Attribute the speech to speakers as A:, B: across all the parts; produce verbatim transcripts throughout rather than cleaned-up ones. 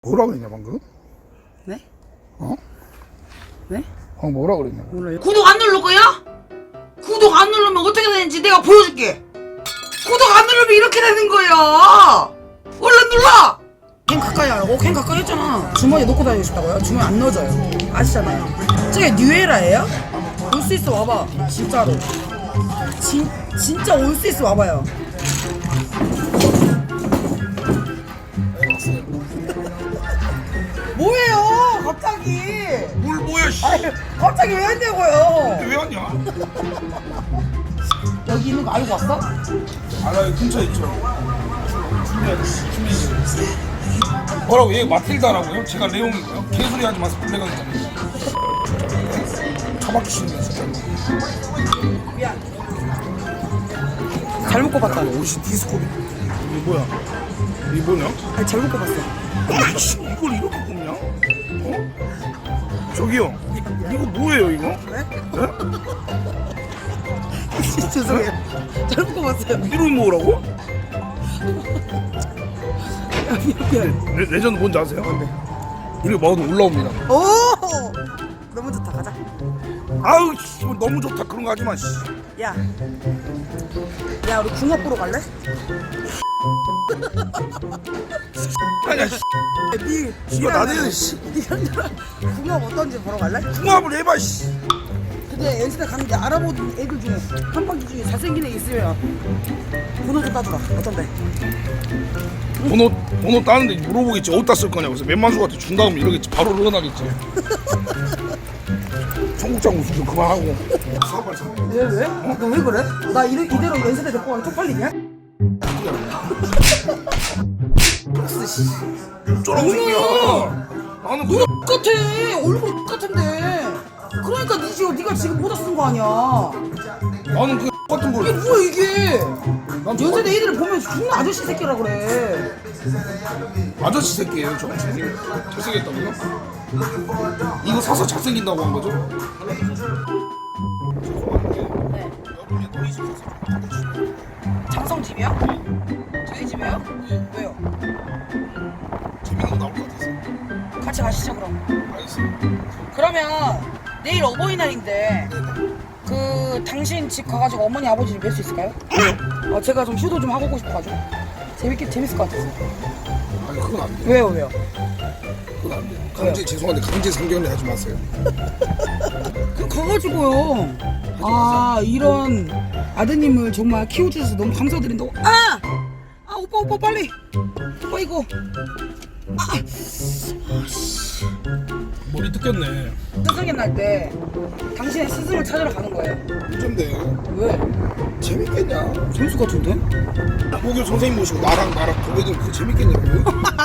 A: 뭐라고 했냐 방금?
B: 네?
A: 어?
B: 네?
A: 방금 뭐라고 그랬냐?
B: 몰라요.
C: 구독 안 누를 거야? 구독 안 누르면 어떻게 되는지 내가 보여줄게. 구독 안 누르면 이렇게 되는 거야. 얼른 눌러.
B: 캔 가까이 하라고? 캔 가까이 했잖아. 주머니에 넣고 다니고 싶다고요? 주머니 안 넣어져요. 아시잖아요. 저게 뉴에라예요? 올 수 있어 와봐. 진짜로. 진, 진짜 올 수 있어 와봐요. 뭐예요 갑자기.
A: 뭘 뭐야 씨.
B: 아니 갑자기 왜 했냐고요.
A: 왜 왔냐?
B: 여기 있는 거 알고 왔어?
A: 알아요 근처에 있죠. 준비하지 준비. 뭐라고 얘 마틸다라고요? 제가 레옹이고요. 개소리 하지 마세요. 블랙가 있잖아요. 처박히시네 진짜.
B: 미안. 잘못 꼽았다.
A: 옷이 디스코비. 이게 뭐야? 이게 뭐냐?
B: 아니 잘못 꼽았어.
A: 아이씨 이걸 이렇게 꼽냐? 어? 저기요. 이거 뭐예요 이거?
B: 네?
A: 네?
B: 죄송해요. 잘못 꼽았어요.
A: 이름이 뭐라고?
B: 미안.
A: 레, 레전드 뭔지 아세요? 이렇게 먹어도 올라옵니다.
B: 오! 너무 좋다. 가자.
A: 아우 씨 너무 좋다 그런 거 하지 마 씨.
B: 야. 야, 우리 궁합 보러 갈래?
A: 아니야 씨.
B: 니,
A: 이거 나대는 씨.
B: 니랑 나랑 궁합 어떤지 보러 갈래?
A: 궁합을 해봐 씨.
B: 근데 엔스타 갔는데 알아보는 애들 중에 한 바퀴 중에 잘생긴 애 있으면 번호 좀 따주라. 어떤데?
A: 번호 번호 따는데 물어보겠지 어디다 쓸 거냐고. 그래서 맨만수한테 준 다음 이러겠지. 바로 늘어나겠지. 청국장 무슨 좀 그만하고. 사발 사.
B: 왜, 왜? 너 왜 그래? 나 이래, 이대로 연세대 데리고 가면 쪽팔리냐?
A: 어쩌라고 새끼야. 나는 그냥
B: 똑같아! 얼굴 똑같은데! 그러니까 니 지금, 니가 지금 모자 쓴 거 아니야.
A: 나는 그 같은
B: 이게
A: 걸.
B: 뭐야, 이게!
A: 난
B: 연세대 애들을 보면 존나 아저씨 새끼라 그래.
A: 아저씨 새끼예요. 저 잘생 잘생겼다고요? 이거 사서 잘생긴다고 한 거죠?
B: 네. 장성 집이요? 저희 집이요? 왜요?
A: 재밌는 거 나올 것 같아서.
B: 같이 가시죠, 그럼.
A: 알겠습니다.
B: 그러면 내일 어버이날인데 그 당신 집 가가지고 어머니 아버지를 뵐 수 있을까요?
A: 왜요?
B: 어, 제가 좀 효도 좀 하고 싶어가지고 재밌게 재밌을 것 같아서.
A: 아니 그건 안 돼요.
B: 왜요, 왜요?
A: 그건 안 돼요. 강제 죄송한데 강제 상견례 하지 마세요.
B: 그 가가지고요. 아 이런 아드님을 정말 키워주셔서 너무 감사드린다고. 아, 아 오빠 오빠 빨리. 오빠 이거. 아,
A: 머리 뜯겼네.
B: 스승의 날 때 당신의 스승을 찾으러 가는 거예요.
A: 어쩐데?
B: 왜?
A: 재밌겠냐?
B: 재밌을 것 같은데?
A: 목요 선생님 모시고 나랑 나랑 도배들 그거 재밌겠냐고요?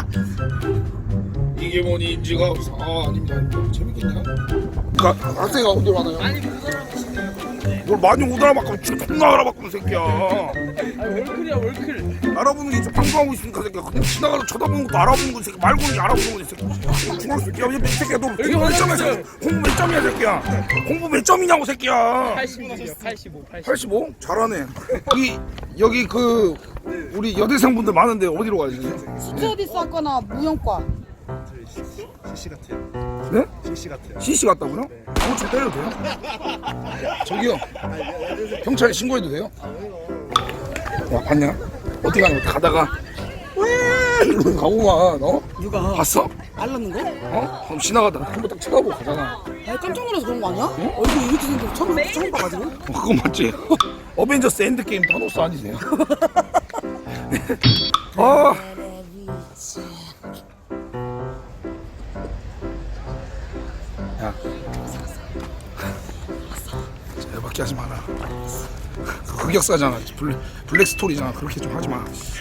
A: 이게 뭐니 인지가 없어. 아 아닙니다. 재밌겠냐? 그러니까 학생이 어디로 가나요?
B: 아니 못 알아보시네요.
A: 뭘 많이 못 알아봤고 지금 존나 알아봤구나 새끼야.
B: 아니 월클이야 월클.
A: 알아보는 게 이제 방송하고 있으니까 새끼야. 그냥 지나가서 쳐다보는 것도 알아보는 거 새끼 말고는 게 알아보는 거지 새끼. 중학생 새끼야. 이 새끼야 너 공부 몇 점이야 새끼야. 공부 몇 점이야 새끼야. 공부 몇 점이냐고 새끼야.
D: 팔십오요. 팔십오, 팔십오.
A: 팔십오? 잘하네. 이 여기 그 우리 여대생분들 많은데 어디로 가야지?
B: 스튜어디스 학과나 무용과.
D: 씨씨 같아요.
A: 네?
D: 씨씨 같아요.
A: 씨씨 같다고요? 그거 좀 때려도 돼요? 저기요. 경찰에 신고해도 돼요? 야 봤냐? 어디 가는 거 가다가 왜 이러고 가고만 어?
B: 누가?
A: 봤어?
B: 알랐는 거?
A: 어? 그럼 지나가다가 한번 딱 쳐다보고 가잖아.
B: 아니 깜짝 놀라서 그런 거 아니야? 얼굴이 이렇게 생겨서 처음, 처음 봐가지고.
A: 어, 그거 맞지? 어벤져스 엔드게임 타노스 아니세요? 아 야, 열받게 하지 마라. 그 흑역사잖아. 블랙, 블랙 스토리잖아. 그렇게 좀 하지 마.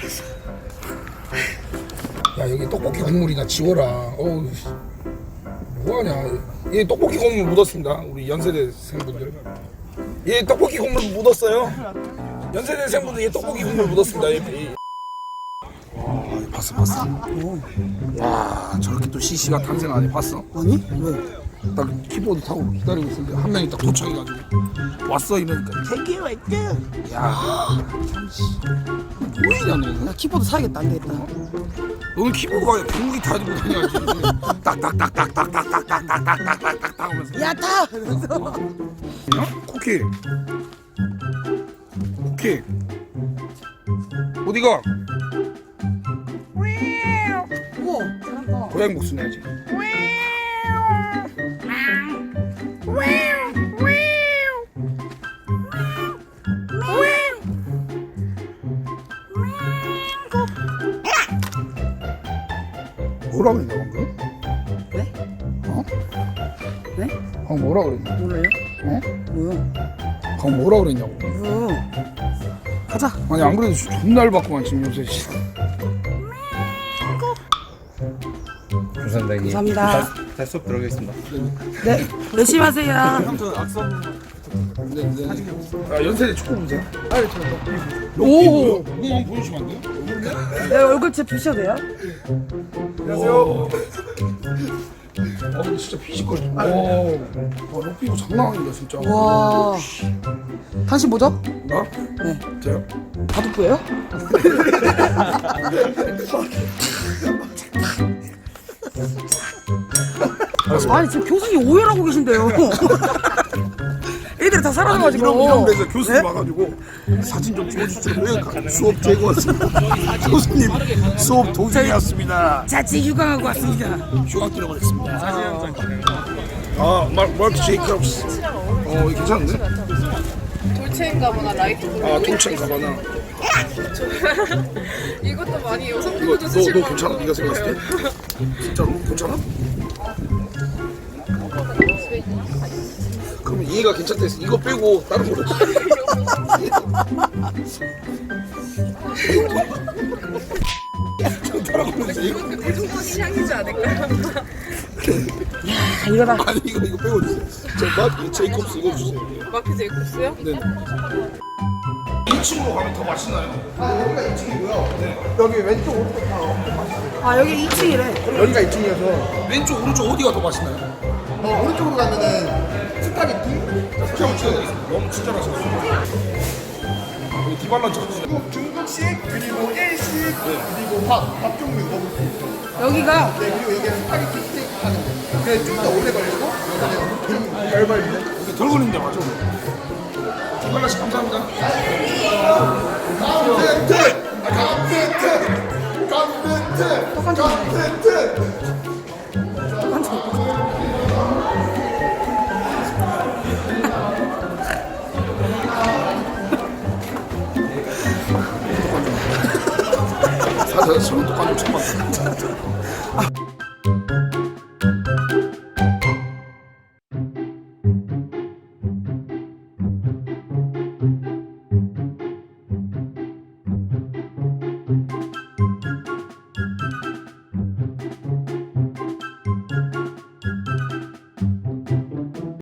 A: 야 여기 떡볶이 국물이나 지워라. 어우 뭐하냐. 얘 떡볶이 국물 묻었습니다. 우리 연세대생분들. 얘 떡볶이 국물 묻었어요. 연세대생분들 얘 떡볶이 국물 묻었습니다. 얘, 얘. 와 봤어 봤어. 와 저렇게 또 씨씨가 탄생하네. 봤어?
B: 아니? 왜?
A: 딱 키보드 타고 기다리고 있었는데 한 명이 딱 도착해가지고 왔어 이러니까 되게 왔죠. 야, 뭐이냐 너?
B: 나 키보드 사야겠다. 안 되겠다.
A: 너는 키보드가 중국이 타지고 다녀야지. 딱딱딱딱딱딱딱딱딱딱딱딱딱 하면서.
B: 야 타.
A: 야, 쿠키. 쿠키. 어디가?
B: 우와 잘한다.
A: 고양이 목소리 내야지. 뭐라 그랬냐 방금?
B: 네?
A: 어?
B: 네?
A: 방금 뭐라 그랬냐?
B: 몰라요?
A: 어?
B: 뭐요?
A: 방금 뭐라 그랬냐고.
B: 뭐요? 가자.
A: 아니 안 그래도 존나 얇았구만 지금 요새.
D: 감사합니다.
B: 감사합니다.
D: 다시 수업 들어가겠습니다.
B: 네 열심히 하세요.
D: 저 악성
A: 네, 네. 아 연세대 축구 보세요.
B: 오.
A: 무궁만 보여주시면 안 돼요?
B: 내 얼굴 제 부셔도 돼요?
A: 안녕하세요. 아 근데 진짜 피지컬. 와, 와 럭비도 장난 아니다 진짜.
B: 와. 당신 뭐죠?
A: 나?
B: 네.
A: 저요?
B: 바둑부예요? 아니 지금 교수님 오해하고 계신데요. 애들이 다 사라져가지고.
A: 이런 이런 데서 교수님
B: 네?
A: 와가지고 사진 좀 찍어주시면 수업 되고 왔습니다. 교수님 수업 도중이었습니다.
B: 자체 휴강하고 왔습니다.
A: 휴학 들어가겠습니다. 아, 마, 마크 제이콥스. 어, 이거 괜찮은데?
E: 돌체인가보나 라이트 블루.
A: 아, 동창 가바나.
E: 이것도 많이
A: 이거
E: 여성분들도
A: 너,
E: 쓰실
A: 너
E: 것
A: 괜찮아?
E: 같아요.
A: 네가 생각했을 때? 진짜로? 괜찮아? 그럼 얘가 괜찮다 했어. 이거 빼고 다른 거로.
E: 대중적인 향이지 않을까요?
B: 야 이거다.
A: 아니 이거 이거 빼고 주세요. 저 마크 제이콥스 이거 주세요.
E: 마크 제이콥스요?
A: 네. 이 층으로 가면 더 맛있나요?
F: 여기 왼쪽 오른쪽 다 엄청 맛있어요.
B: 아 여기 이 층이래.
F: 여기가 이 층이어서
A: 왼쪽 오른쪽 어디가 더 맛있나요?
F: 어, 오른쪽으로 가면은 스파게티,
A: 형 찍어드리겠습니다. 너무 친절하셔서. 여기 디발란 찍어주세요.
F: 중국, 중국식 그리고 일식 그리고 밥, 밥 종류 먹을 수 있어요.
B: 여기가
F: 네, 그리고 여기는 스파게티 스테이크 하는 거. 그게 좀 더 오래 걸리고 여기는 좀 덜 걸리는.
A: 이게 덜 걸린데 맞죠? 디발란 씨 감사합니다.
F: 감센트! 감센트! 감센트! 감센트!
A: 사실 저는 똑같은 척 봤어요.